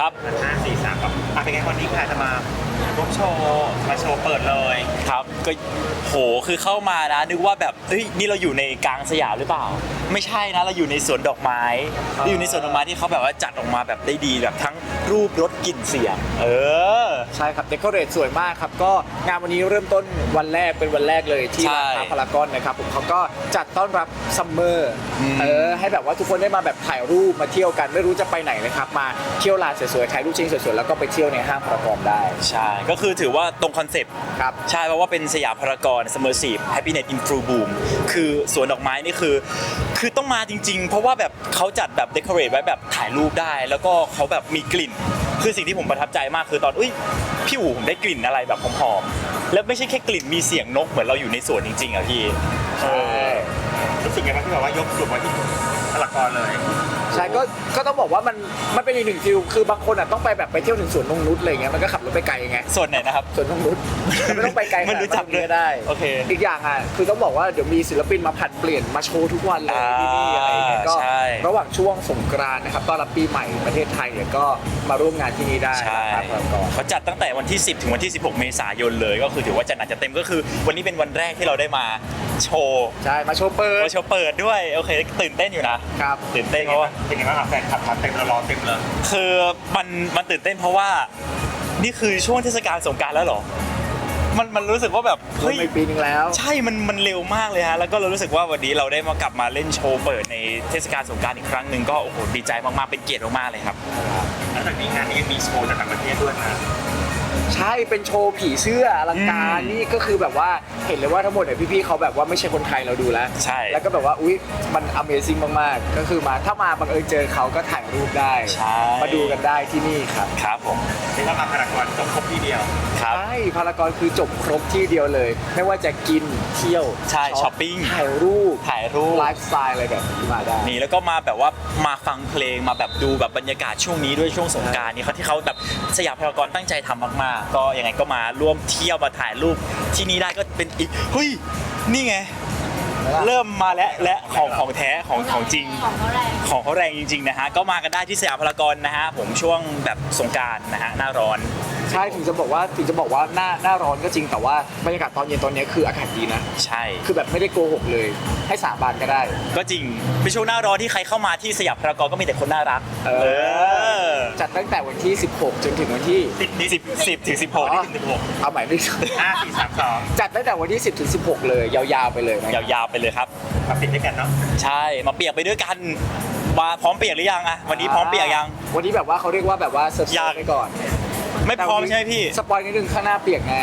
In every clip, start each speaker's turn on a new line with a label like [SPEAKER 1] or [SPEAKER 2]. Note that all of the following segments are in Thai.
[SPEAKER 1] ครับ
[SPEAKER 2] 5 4 3ครับเป็นไงวันนี้ค่ะจะมาร่วมโชว์เปิดเลย
[SPEAKER 1] ครับก็โหคือเข้ามานะนึกว่าแบบเฮ้ยนี่เราอยู่ในกลางสยามหรือเปล่าไม่ใช่นะเราอยู่ในสวนดอกไม้เราอยู่ในสวนดอกไม้ที่เขาแบบว่าจัดออกมาแบบได้ดีแบบทั้งรูปรสกลิ่นเสียง
[SPEAKER 3] ใช่ครับเดคอเรทสวยมากครับก็งานวันนี้เริ่มต้นวันแรกเป็นวันแรกเลยที่ร้านค้าพารากอนนะครับผมเขาก็จัดต้อนรับซัมเมอร์ให้แบบว่าทุกคนได้มาแบบถ่ายรูปมาเที่ยวกันไม่รู้จะไปไหนนะครับมาเที่ยวลานสวยๆถ่ายรูปจริงสวยๆแล้วก็ไปเที่ยวในห้างพารากอนได้
[SPEAKER 1] ใช่ก็คือถือว่าตรงคอนเซปต์
[SPEAKER 3] ครับ
[SPEAKER 1] ใช่เพราะว่าเป็นสยามพารากอน Immersive Happiness in Full Bloom คือสวนดอกไม้นี่คือต้องมาจริงๆเพราะว่าแบบเขาจัดแบบเดคอเรทไว้แบบถ่ายรูปได้แล้วก็เขาแบบมีกลิ่นคือสิ่งที่ผมประทับใจมากคือตอนพี่อู๋ผมได้กลิ่นอะไรแบบหอมๆแล้วไม่ใช่แค่กลิ่นมีเสียงนกเหมือนเราอยู่ในสวนจริงๆอ่ะพี่
[SPEAKER 2] รู้สึกไงบ้างที่แบบว่ายกกลุ่มมาที่พารากอนเลย
[SPEAKER 3] ใช่ก็ต้องบอกว่ามันเป็นอีกหนึ่งฟิลคือบางคนอ่ะต้องไปแบบไปเที่ยวถึงสวนนงนุชอะไรเงี้ยมันก็ขับรถไปไกลไง
[SPEAKER 1] ส่วนไหนนะครับ
[SPEAKER 3] สวนนงนุชไม่ต้องไปไกล
[SPEAKER 1] มันรู้จักเลย
[SPEAKER 3] ได้
[SPEAKER 1] โอเค
[SPEAKER 3] อีกอย่างอ่ะคือต้องบอกว่าเดี๋ยวมีศิลปินมาผัดเปลี่ยนมาโชว์ทุกวันเลยที่นี่อะไรเงี้ยก็ระหว่างช่วงสงกรานต์นะครับต้อนรับปีใหม่ประเทศไทยเนี่ยก็มาร่วมงานที่นี่ได้
[SPEAKER 1] ครับเขาจัดตั้งแต่วันที่10ถึงวันที่16เมษายนเลยก็คือถือว่าจัดหนักจัดเต็มก็คือวันนี้เป็นวันแรกที่เราได้มาโชว์
[SPEAKER 3] ใช่มาโชว์เปิด
[SPEAKER 1] ด้วยโอเคตื่นเต้นอยู่นะครับตื่นเต้นเพราะว่า
[SPEAKER 2] เป็นไงบ้างแฟนคลับเต็มรอเต็มเลย
[SPEAKER 1] คือมันตื่นเต้นเพราะว่านี่คือช่วงเทศกาลสงกรานต์แล้วเหรอมันรู้สึกว่าแบบ
[SPEAKER 3] เฮ้ยปีนึงแล้ว
[SPEAKER 1] ใช่มันเร็วมากเลยฮะแล้วก็เรารู้สึกว่าวันนี้เราได้มากลับมาเล่นโชว์เปิดในเทศกาลสงกรานต์อีกครั้งหนึ่งก็โอ้โหดีใจมากๆเป็นเกียรติมากๆเลยครับ
[SPEAKER 2] แล้วจากนี้งานนี้มีโชว์จากต่างประเทศด้วยนะ
[SPEAKER 3] ใช่เป็นโชว์ผีเสื้ออลังการนี่ก็คือแบบว่าเห็นเลยว่าทั้งหมดเนี่ยพี่ๆเขาแบบว่าไม่ใช่คนไทยเราดูแล้ว
[SPEAKER 1] ใช่
[SPEAKER 3] แล้วก็แบบว่าอุ๊ยมัน Amazing มากๆก็คือมาถ้ามาบังเอิญเจอเขาก็ถ่ายรูปได้มาดูกันได้ที่นี่ครับ
[SPEAKER 1] ครับผม
[SPEAKER 2] เรียกว่ามาพารากอนจบครบที่เดียว
[SPEAKER 3] ใช่พารากอนคือจบครบที่เดียวเลยไม่ว่าจะกินเที่ยว
[SPEAKER 1] ใช่ช้อปปิ้ง
[SPEAKER 3] ถ่ายรูปไลฟ์สไตล์อะไรแบบนี้มาได้
[SPEAKER 1] นี่แล้วก็มาแบบว่ามาฟังเพลงมาแบบดูแบบบรรยากาศช่วงนี้ด้วยช่วงสงกรานต์นี่เขาที่เขาแบบสยามพารากอนตั้งใจทำมากๆก็ยังไงก็มาร่วมเที่ยวมาถ่ายรูปที่นี่ได้ก็เป็นอีกเฮ้ยนี่ไงเริ่มมาและของแท้ของจริงของเขาแรงจริงๆนะฮะก็มากันได้ที่สยามพารากอนนะฮะผมช่วงแบบสงกรานต์นะฮะหน้าร้อน
[SPEAKER 3] ใช่ถึงจะบอกว่าหน้าร้อนก็จริงแต่ว่าบรรยากาศตอนเย็นตอนนี้คืออากาศดีนะ
[SPEAKER 1] ใช่
[SPEAKER 3] คือแบบไม่ได้โกหกเลยให้สาบานก็ได้
[SPEAKER 1] ก็จริงเป็นช่วงหน้าร้อนที่ใครเข้ามาที่สยามพารากอนก็มีแต่คนน่ารัก
[SPEAKER 3] จัดตั้งแต่วันที่16จนถึงวันที่
[SPEAKER 1] 10ถึง16
[SPEAKER 3] นี่ถึง16เอาใหม่ไม่ถูก
[SPEAKER 2] 5 4 3 2
[SPEAKER 3] จัดตั้งแต่วันที่10ถึง16เลยยาวๆไปเลย
[SPEAKER 1] ยาวๆไปเลยครับ
[SPEAKER 2] มาเปียกด้วยกันเนาะ
[SPEAKER 1] ใช่มาเปียกไปด้วยกันมาพร้อมเปียกหรือยังอะวันนี้พร้อมเปียกยัง
[SPEAKER 3] วันนี้แบบว่าเขาเรียกว่าแบบว่าเซอร์ไพรส์ไปก่อน
[SPEAKER 1] ไม่พร้อมใช่ไหมพี่
[SPEAKER 3] สปอยนิดนึงข้างหน้าเปียกแน่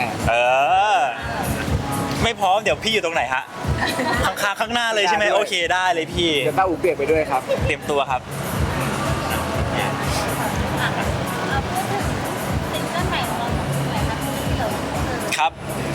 [SPEAKER 1] ไม่พร้อมเดี๋ยวพี่อยู่ตรงไหนฮะข้างหน้าเลยใช่ไหมโอเคได้เลยพี่
[SPEAKER 3] เดี๋ยวต้าอูเปียกไปด้วยครับ
[SPEAKER 1] เตรียมตัวครับครับ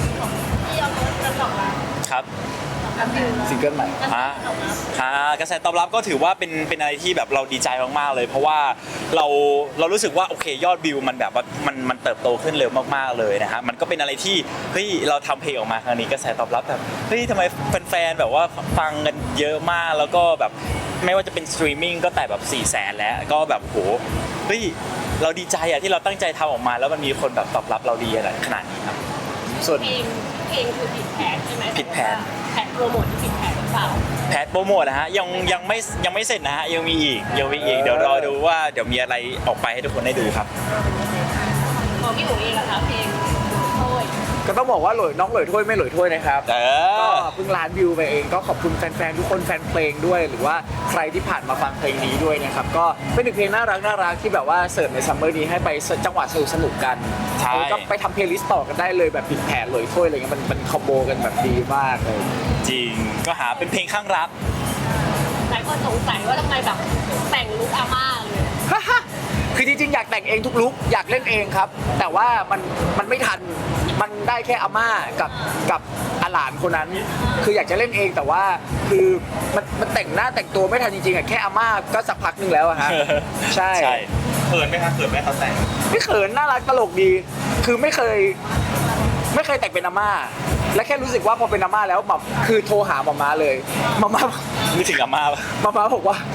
[SPEAKER 1] ครับ
[SPEAKER 3] ซิงเกิลใหม่
[SPEAKER 1] กระแสตอบรับก็ถือว่าเป็นอะไรที่แบบเราดีใจมากๆเลยเพราะว่าเรารู้สึกว่าโอเคยอดวิวมันแบบว่ามันเติบโตขึ้นเร็วมากๆเลยนะฮะมันก็เป็นอะไรที่เฮ้ยเราทำเพลงออกมาครั้งนี้กระแสตอบรับแบบเฮ้ยทำไมแฟนๆแบบว่าฟังกันเยอะมากแล้วก็แบบไม่ว่าจะเป็นสตรีมมิ่งก็แต่แบบ400,000แล้วก็แบบโหเฮ้ยเราดีใจอะที่เราตั้งใจทำออกมาแล้วมันมีคนแบบตอบรับเราดีขนาดนี้ครับ
[SPEAKER 4] ส่วนเพลงคือผิดแผนใช่ไหม
[SPEAKER 1] ผิดแผน
[SPEAKER 4] โปรโมทที่ผิดแผนหรือเปล่า
[SPEAKER 1] แผนโปรโมทนะฮะยังไม่เสร็จนะฮะยังมีอีกเดี๋ยวรอดูว่าเดี๋ยวมีอะไรออกไปให้ทุกคนได้ดูครับ
[SPEAKER 4] ของพี่อู๋เองอะคะเพลงโอ้ย
[SPEAKER 3] ก็ต้องบอกว่าน้องหลอยถ้วยไม่หลอยถ้วยนะครับก็เพิ่งล้านวิวไปเองก็ขอบคุณแฟนๆทุกคนแฟนเพลงด้วยหรือว่าใครที่ผ่านมาฟังเพลงนี้ด้วยนะครับก็เป็นหนึ่งเพลงน่ารักที่แบบว่าเสิร์ฟในซัมเมอร์นี้ให้ไปจังหวะสนุกกันก็ไปทำเพลย์ลิสต์ต่อกันได้เลยแบบผิดแผนหลอยถ้วยอะไรเงี้ยมันคอมโบกันแบบดีมากเลย
[SPEAKER 1] จริงก็หาเป็นเพลงข้างรัก
[SPEAKER 4] หลายคนสงสัยว่าทำไมแบบแต่งลุคอาม่าเลย
[SPEAKER 3] คือจริงๆอยากแต่งเองทุกลุคอยากเล่นเองครับแต่ว่ามันไม่ทันมันได้แค่อาม่ากับอาหลานคนนั้นคืออยากจะเล่นเองแต่ว่าคือมันแต่งหน้าแต่งตัวไม่ทันจริงๆอ่ะแค่อาม่าก็สักพักนึงแล้วอะฮะใช่
[SPEAKER 2] เขินไหมครับเขินไหมเขาแต่ง
[SPEAKER 3] ไม่เขินน่ารักตลกดีคือไม่เคยแต่งเป็นอาม่าและแค่รู้สึกว่าพอเป็นอาม่าแล้วแบบคือโทรหาหม่าม้าเลยหม่าม้า
[SPEAKER 1] นึกถึงอาม่า
[SPEAKER 3] บอกว่า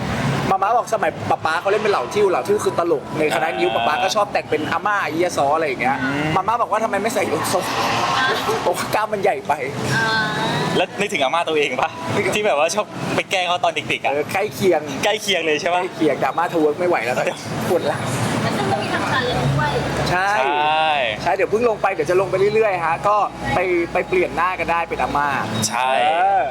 [SPEAKER 3] มาม่าบอกสมัยป๊าเขาเล่นเป็นเหล่าทิ่วคือตลกในคณะนิ้วป๊าก็ชอบแต่งเป็นอาม่าไอ้เหี้ยซออะไรอย่างเงี้ยมาม่าบอกว่าทำไมไม่ใส่ยกทรงโอ้กล้ามมันใหญ่ไป
[SPEAKER 1] แล้วนึกถึงอาม่าตัวเองปะที่แบบว่าชอบไปแกล้งเขาตอนเด็กๆอ่ะ
[SPEAKER 3] ใกล้เคียง
[SPEAKER 1] ใกล้เคียงเลยใช่
[SPEAKER 3] ใก
[SPEAKER 1] ปะ
[SPEAKER 3] ล้เคียงดราม่าทเวิร์กไม่ไหวแล้วตอนนี้ปวดหลัง
[SPEAKER 4] แล้วซึ่งก็มีทางการเรียนด้วย
[SPEAKER 3] ใช่
[SPEAKER 1] ใช่
[SPEAKER 3] ใช่เดี๋ยวเพิ่งลงไปเดี๋ยวจะลงไปเรื่อยๆฮะก็ไปเปลี่ยนหน้ากันได้เป็นอาม่า
[SPEAKER 1] ใช่
[SPEAKER 3] เออ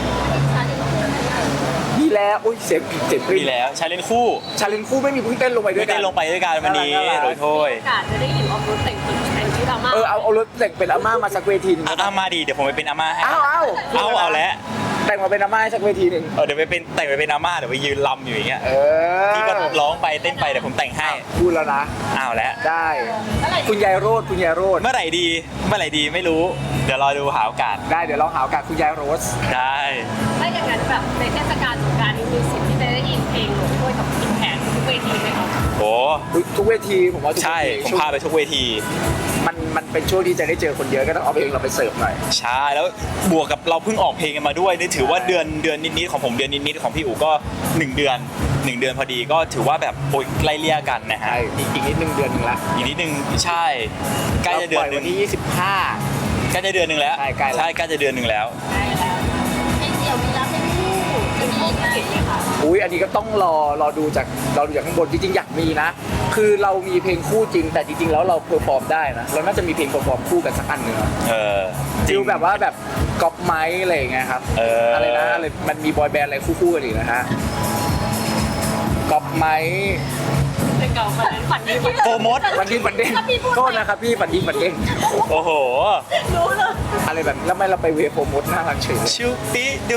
[SPEAKER 3] มีแล้วอุ้ยเสียงปริ่
[SPEAKER 1] มีแล้วชาเลนคู่
[SPEAKER 3] ชาเลนจ์คู่ไม่มีเพิ่งเต้นลงไปด้ว
[SPEAKER 1] ไม่
[SPEAKER 3] ยกั
[SPEAKER 1] ได้
[SPEAKER 3] น
[SPEAKER 1] ลงไปด้วยกันวันนี้
[SPEAKER 3] น่ารัก
[SPEAKER 1] โดยโทษ
[SPEAKER 4] โอกาสจะได้เห็นออฟโรดแต่งชุดอาม่า
[SPEAKER 3] เอารถแต่งเป็นอาม่ามาสักเวทีหนึง
[SPEAKER 1] อามาดีเดี๋ยวผมไปเป็นอาม่าให้
[SPEAKER 3] เอา
[SPEAKER 1] แล้ว
[SPEAKER 3] แต่งมาเป็นอาม่าให้สักเวทีหนึ่ง
[SPEAKER 1] เดี๋ยวไปเป็นแต่งไปเป็นอาม่าเดี๋ยวไปยืนลำอยู่อย่างเงี้ย
[SPEAKER 3] เออ
[SPEAKER 1] พี่ก็ร้องไปเต้นไปเดี๋ยวผมแต่งให้
[SPEAKER 3] พูดแล้วนะ
[SPEAKER 1] อ้าวแล้ว
[SPEAKER 3] ได้
[SPEAKER 4] เมื่อไหร่
[SPEAKER 3] คุณยายโรด
[SPEAKER 1] เมื่อไหร่ดีไม่รู้ เดี๋ยวรอดูหาโอกาส
[SPEAKER 3] ได้เดี๋ยวเราหาโอกาสคุณยายโรส
[SPEAKER 1] ได้
[SPEAKER 4] ถ้าอย่างนั้นแบบในเทศกาลสงกรานต์นี้มีสิทธิ์ที่จะได้ยินเพลงหลวงด้วยกับกินแผนทุกเวทีไหมครับ
[SPEAKER 1] โอ้
[SPEAKER 3] ทุกเวทีผมว่าทุกเว
[SPEAKER 1] ใช่
[SPEAKER 3] ที
[SPEAKER 1] ผมพาไปทุกเวที
[SPEAKER 3] มันเป็นช่วงที่จะได้เจอคนเยอะก็ต้องเอาเพลงเราไปเสิร์ฟหน่อย
[SPEAKER 1] ใช่แล้วบวกกับเราเพิ่งออกเพลงกันมาด้วยนี่ถือว่าเดือนนิดๆของผมเดือนนิดๆของพี่อู๋ก็1 เดือนพอดีก็ถือว่าแบบโอ้ยไล่เลี่ยกันนะฮะ
[SPEAKER 3] ใช่อีกนิดนึงเดือนหนึงละ
[SPEAKER 1] อีกนิดนึงใช่ใกล้จะเดือนห
[SPEAKER 3] วั
[SPEAKER 1] นึ่ง
[SPEAKER 3] ที่ 25
[SPEAKER 1] ใกล้จะเดือนหนึ่งแล้ว
[SPEAKER 3] ใช่ใกล้แล้ว
[SPEAKER 1] ใช่ใกล้จะเดือนหนึ่งแล้ว
[SPEAKER 4] ได้แล้วเพลงเดี่ยวมีรับเพลงคู่จะมีอีกไหมคะ
[SPEAKER 3] อุ้ยอันนี้ก็ต้องรอดูจากข้างบนจริงๆอยากมีนะ คือเรามีเพลงคู่จริง แต่จริงๆแล้วเราเพอร์ฟอร์มได้นะเราน่าจะมีเพลงเพอร์ฟอร์มคู่กันสักอันหนึ่งอะ
[SPEAKER 1] เออจริ
[SPEAKER 3] ฟิ
[SPEAKER 1] ง
[SPEAKER 3] ลแบบว่าแบบก๊อปไม้อะไรอย่างเงี้ยครับ อะไรนะอะไรมันมีบอยแบนด์อะไรคู่ๆกันอีกนะฮะก๊อปไม้
[SPEAKER 4] เพลงเก่าคนนั้นฝันดี
[SPEAKER 1] โปรโมท
[SPEAKER 3] ฝันดีฝันเด้ง
[SPEAKER 4] ถ้าพี่พูด
[SPEAKER 3] โทษนะครับพี่ฝันดีฝันเด้ง
[SPEAKER 1] โอ้โห
[SPEAKER 4] รู้เลย
[SPEAKER 3] อะไรแบบแล้วไม่เราไปเวโปรโมทน่ารักเฉยเลย
[SPEAKER 1] ชูปิดู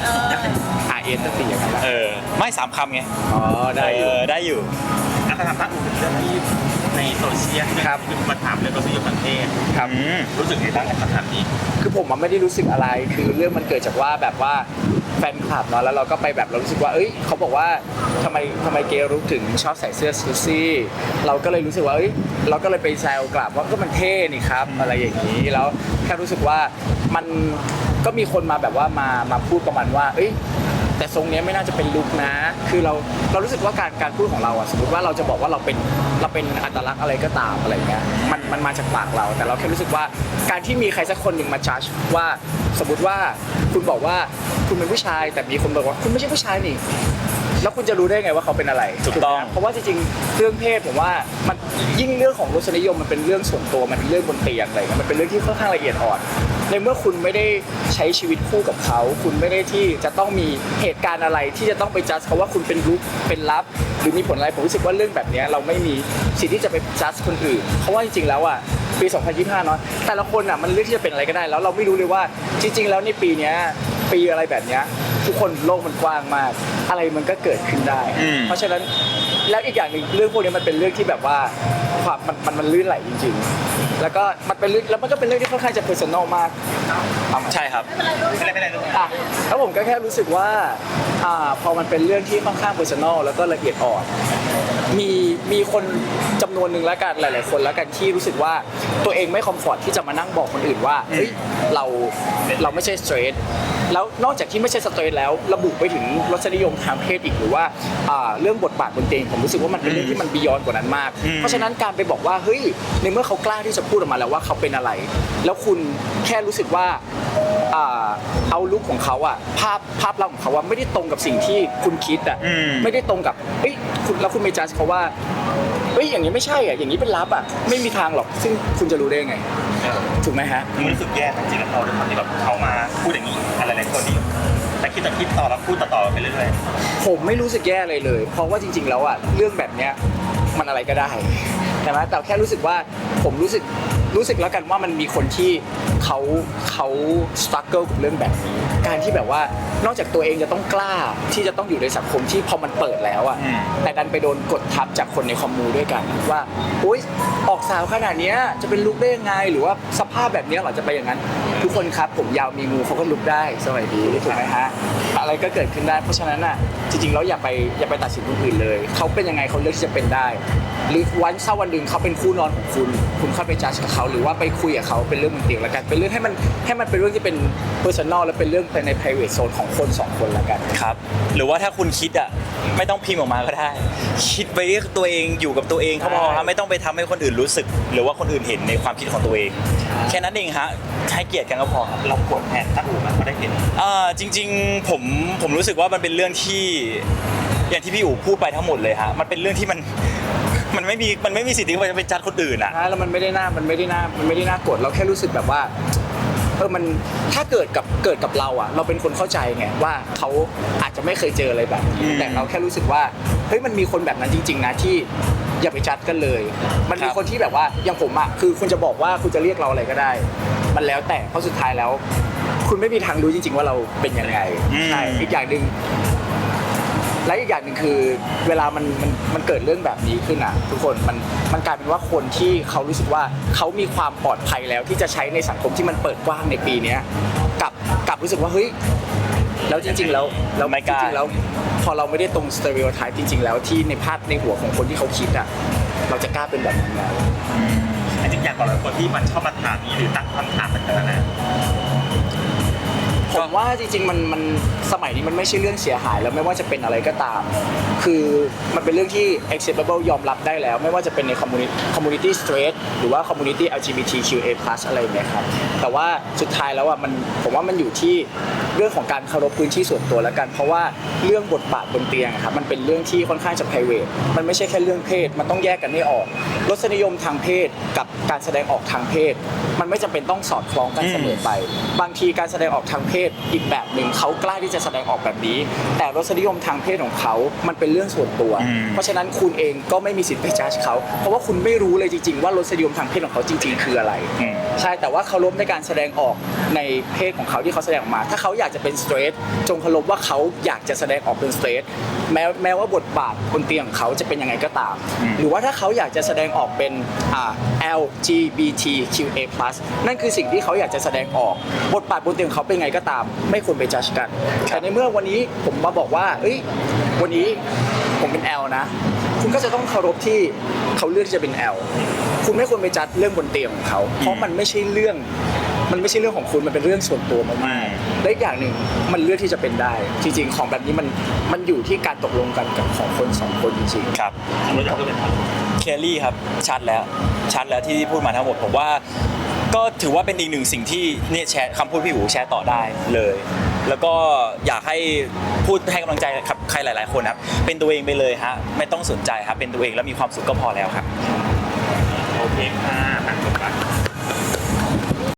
[SPEAKER 3] RN ตั้งตีอย่างนั้นนะ
[SPEAKER 1] ไม่3 คำไง
[SPEAKER 3] อ๋อได้อยู่
[SPEAKER 1] ได้อยู่
[SPEAKER 2] แล้วก็ทำภาคอื่นเป็นเรื่องที่ในโซเชียล
[SPEAKER 3] ครับ
[SPEAKER 2] มาถามเรื่องรสนิยมทางเพศ
[SPEAKER 3] ครับ
[SPEAKER 2] รู้สึกยังไงบ้างกับคำถามนี้
[SPEAKER 3] คือผมมันไม่ได้รู้สึกอะไร คือเรื่องมันเกิดจากว่าแบบว่าแฟนคลับเนาะ แล้วเราก็ไปแบบเรารู้สึกว่า เอ้ยเขาบอกว่าทำไมเกย์รุกถึงชอบใส่เสื้อซูซี่ เราก็เลยรู้สึกว่า เอ้ย เราก็เลยไปแซวกลับว่าก็มันเท่นี่ครับ อะไรอย่างนี้ แล้วแค่รู้สึกว่ามันก็มีคนมาแบบว่ามาพูดประมาณว่า เอ้ย แต่ทรงเนี้ยไม่น่าจะเป็นลุคนะ คือเรารู้สึกว่าการพูดของเราอะสมมติว่าเราจะบอกว่าเราเป็นอัตลักษณ์อะไรก็ตามอะไรเงี้ยมันมาจากปากเรา แต่เราแค่รู้สึกว่าการที่มีใครสักคนหนึ่งมาจัดว่าสมมติว่าคุณบอกว่าคุณเป็นผู้ชาย แต่มีคนบอกว่าคุณไม่ใช่ผู้ชายนี่ แล้วคุณจะรู้ได้ไงว่าเขาเป็นอะไร
[SPEAKER 1] ถูกต้อง
[SPEAKER 3] ไหมเพราะว่าจริงๆเรื่องเพศผมว่ามันยิ่งเรื่องของรสนิยมมันเป็นเรื่องส่วนตัวมันเป็นเรื่องบนเตียงอะไรเงี้ยมันเป็นเรื่องที่ค่อนข้างละเอียดอ่อนในเมื่อคุณไม่ได้ใช้ชีวิตคู่กับเขา คุณไม่ได้ที่จะต้องมีเหตุการณ์อะไรที่จะต้องไปจัดเขาว่าคุณเป็นรุกเป็นลับ หรือมีผลอะไรผมรู้สึกว่าเรื่องแบบเนี้ยเราไม่มีสิทธิ์ที่จะไปจัดคนอื่นเพราะว่าจริงๆแล้วอ่ะปี 2025 เนาะแต่ละคนอ่ะมันเลือกที่จะเป็นอะไรก็ได้ แล้วเราไม่รู้เลยว่าจริงๆแล้วในปีเนี้ยปีอะไรแบบเนี้ยทุกคนโลกมันกว้างมาก อะไรมันก็เกิดขึ้นได้ เพราะฉะนั้นแล้วอีกอย่างหนึ่งเรื่องพวกนี้มันเป็นเรื่องที่แบบว่าความมันลื่นไหลจริงๆ แล้วก็มันเป็นเรื่องแล้วมันก็เป็นเรื่องที่ค่อนข้างจะเพอร์ซันอลมากเอามา
[SPEAKER 1] ใช่ครับ
[SPEAKER 2] ไม่เป็นไรลูก
[SPEAKER 3] อ่ะแล้วผมก็แค่รู้สึกว่าพอมันเป็นเรื่องที่ค่อนข้างเพอร์ซันอลแล้วก็ละเอียดอ่อนมีคนจำนวนหนึ่งแล้วกันหลายๆคนแล้วกันที่รู้สึกว่าตัวเองไม่คอมฟอร์ตที่จะมานั่งบอกคนอื่นว่าเฮ้ยเราไม่ใช่สเตรทแล้วนอกจากที่ไม่ใช่สเตรทแล้วระบุไปถึงรสนิยมทางเพศอีกหรือว่าเรื่องบทบาทบนเตียงผมรู้สึกว่ามันเป็นเรื่องที่มันบียอนกว่านั้นมาก เพราะฉะนั้นการไปบอกว่าเฮ้ยในเมื่อเขากล้าที่จะพูดออกมาแล้วว่าเขาเป็นอะไร แล้วคุณแค่รู้สึกว่าเอาลุคของเขาอะภาพลักษณ์ของเขาว่าไม่ได้ตรงกับสิ่งที่คุณคิดอะไม่ได้ตรงกับเฮ้ยแล้วคุณไม่จัดเขาว่าเฮ้ยอย่างนี้ไม่ใช่อะอย่างนี้เป็นลับอะไม่มีทางหรอกซึ่งคุณจะรู้ได้ไงถูกไหมฮะ
[SPEAKER 2] มันรู้สึกแย่จริงๆแล้วเขาด้วยความที่แบบเขามาพูดอย่างนี้อะไรหลายคนนี่แต่คิดต่อแล้วพูดต่อไปเรื่อย
[SPEAKER 3] ผมไม่รู้สึกแย่อะไรเลย เพราะว่าจริงๆแล้วอะเรื่องแบบเนี้ยมันอะไรก็ได้ใช่ไหมแต่แค่รู้สึกว่าผมรู้สึกแล้วกันว่ามันมีคนที่เขาสตรัคเกิลกับเรื่องแบบนี้การที่แบบว่านอกจากตัวเองจะต้องกล้าที่จะต้องอยู่ในสังคมที่พอมันเปิดแล้วอะแต่ดันไปโดนกดทับจากคนในคอมมูด้วยกันว่าโอ๊ยออกสาวขนาดเนี้ยจะเป็นลุคได้ยังไงหรือว่าสภาพแบบเนี้ยเหรอจะไปอย่างนั้นทุกคนครับผมยาวมีงูเขาก็ลุกได้สวัสดีถูกไหมฮะอะไรก็เกิดขึ้นได้เพราะฉะนั้นอะจริงๆแล้วอย่าไปตัดสินคนอื่นเลยเขาเป็นยังไงเขาเลือกที่จะเป็นได้หรือถ้าวันหนึ่งเขาเป็นคู่นอนของคุณเข้าไปจัดกับเขาหรือว่าไปคุยกับเขาเป็นเรื่องบนเตียงแล้วกันเป็นเรื่องให้มันเป็นเรื่องที่เป็น personal และเป็นเรื่องภายใน private zone ของคนสองคนแล้วกัน
[SPEAKER 1] ครับหรือว่าถ้าคุณคิดอ่ะไม่ต้องพิมพ์ออกมาก็ได้ คิดไปตัวเองอยู่กับตัวเองเขาพอครับไม่ต้องไปทำให้คนอื่นรู้สึก หรือว่าคนอื่นเห็นในความคิดของตัวเอง แค่นั้นเองฮะให้เกียรติกันก็พอครับ
[SPEAKER 2] เรากดแทนตั้งอู่มันก็ได้เห็น
[SPEAKER 1] จริงๆผมรู้สึกว่ามันเป็นเรื่องที่อย่างที่พี่อู๋พูดไปทั้งหมดเลยฮะมันเป็นเรื่องที่มันไม่มีสิทธิ์ที่จะไปจัดคนอื่นอ่ะ
[SPEAKER 3] แล้วมันไม่ได้น่ากดเราแค่รู้สึกแบบว่ามันถ้าเกิดกับเราอ่ะเราเป็นคนเข้าใจไงว่าเขาอาจจะไม่เคยเจออะไรแบบนี้แต่เราแค่รู้สึกว่าเฮ้ยมันมีคนแบบนั้นจริงๆนะที่อย่าไปจัดกันเลย มันมีคนที่แบบว่าอย่างผมอ่ะคือคุณจะบอกว่าคุณจะเรียกเราอะไรก็ได้ มันแล้วแต่เพราะสุดท้ายแล้ว คุณไม่มีทางรู้จริงๆว่าเราเป็นยังไงใช่อีกอย่างหนึ่งและอีกอย่างหนึ่งคือเวลามันเกิดเรื่องแบบนี้ขึ้นอ่ะทุกคนมันกลายเป็นว่าคนที่เขารู้สึกว่าเขามีความปลอดภัยแล้วที่จะใช้ในสังคมที่มันเปิดกว้างในปีนี้กลับรู้สึกว่าเฮ้ยแล้วจริงๆแล้ว
[SPEAKER 1] ไม่กล้า
[SPEAKER 3] จริงๆแล้วพอเราไม่ได้ตรงสเตอริโอไทป์จริงๆแล้วที่ในภาพในหัวของคนที่เขาคิดอ่ะเราจะกล้าเป็นแบบนั้นไหม
[SPEAKER 2] จริงๆอย่างต่อหลายคนที่มันชอบมาถามนี้หรือตั้งคำถามต่างๆนะ
[SPEAKER 3] ผมว่าจริงๆมันสมัยนี้มันไม่ใช่เรื่องเสียหายแล้วไม่ว่าจะเป็นอะไรก็ตาม คือมันเป็นเรื่องที่ acceptable ยอมรับได้แล้วไม่ว่าจะเป็นใน community straight หรือว่า community LGBTQA+ อะไรอย่างเงี้ยครับแต่ว่าสุดท้ายแล้วอ่ะผมว่ามันอยู่ที่เรื่องของการเคารพพื้นที่ส่วนตัวแล้วกันเพราะว่าเรื่องบทบาทบนเตียงครับมันเป็นเรื่องที่ค่อนข้างจะ private มันไม่ใช่แค่เรื่องเพศมันต้องแยกกันให้ออกรสนิยมทางเพศกับการแสดงออกทางเพศมันไม่จำเป็นต้องสอดคล้องกันเสมอไปบางทีการแสดงออกทางเพศอีกแบบหนึ่งเขากล้าที่จะแสดงออกแบบนี้แต่รสนิยมทางเพศของเขามันเป็นเรื่องส่วนตัวเพราะฉะนั้นคุณเองก็ไม่มีสิทธิ์ไปจัดเขาเพราะว่าคุณไม่รู้เลยจริงๆว่ารสนิยมทางเพศของเขาจริงๆคืออะไรใช่แต่ว่าเคารพในการแสดงออกในเพศของเขาที่เขาแสดงออกมาถ้าเขาอยากจะเป็นสเตรทจงเคารพว่าเขาอยากจะแสดงออกเป็นสเตรทแม้ว่าบทบาทบนเตียงของเขาจะเป็นยังไงก็ตามหรือว่าถ้าเขาอยากจะแสดงออกเป็นLGBTQA+ นั่นคือสิ่งที่เขาอยากจะแสดงออกบทบาทบนเตียงเขาเป็นไงก็ตามไม่ควรไปจัดกันแต่ในเมื่อวันนี้ผมมาบอกว่าวันนี้ผมเป็น L นะคุณก็จะต้องเคารพที่เขาเลือกที่จะเป็น L คุณไม่ควรไปจัดเรื่องบนเตียงของเขาเพราะมันไม่ใช่เรื่องของคุณมันเป็นเรื่องส่วนตัวมากๆและอีกอย่างหนึ่งมันเลือกที่จะเป็นได้จริงๆของแบบนี้มันอยู่ที่การตกลงกันกับของคนสองคนจริงๆ
[SPEAKER 1] ครับ
[SPEAKER 2] เราอยากจะเป็น
[SPEAKER 1] เคลลี่ครับชัดแล้วที่พูดมาทั้งหมดผมว่าก็ถือว่าเป็นอีกหนึ่งสิ่งที่เนี่ยแชร์คำพูดพี่อู๋แชร์ต่อได้เลย แล้วก็อยากให้พูดให้กำลังใจกับใครหลายๆคนครับเป็นตัวเองไปเลยฮะไม่ต้องสนใจครับเป็นตัวเองแล้วมีความสุขก็พอแล้วครับ
[SPEAKER 2] โอเคค่ะ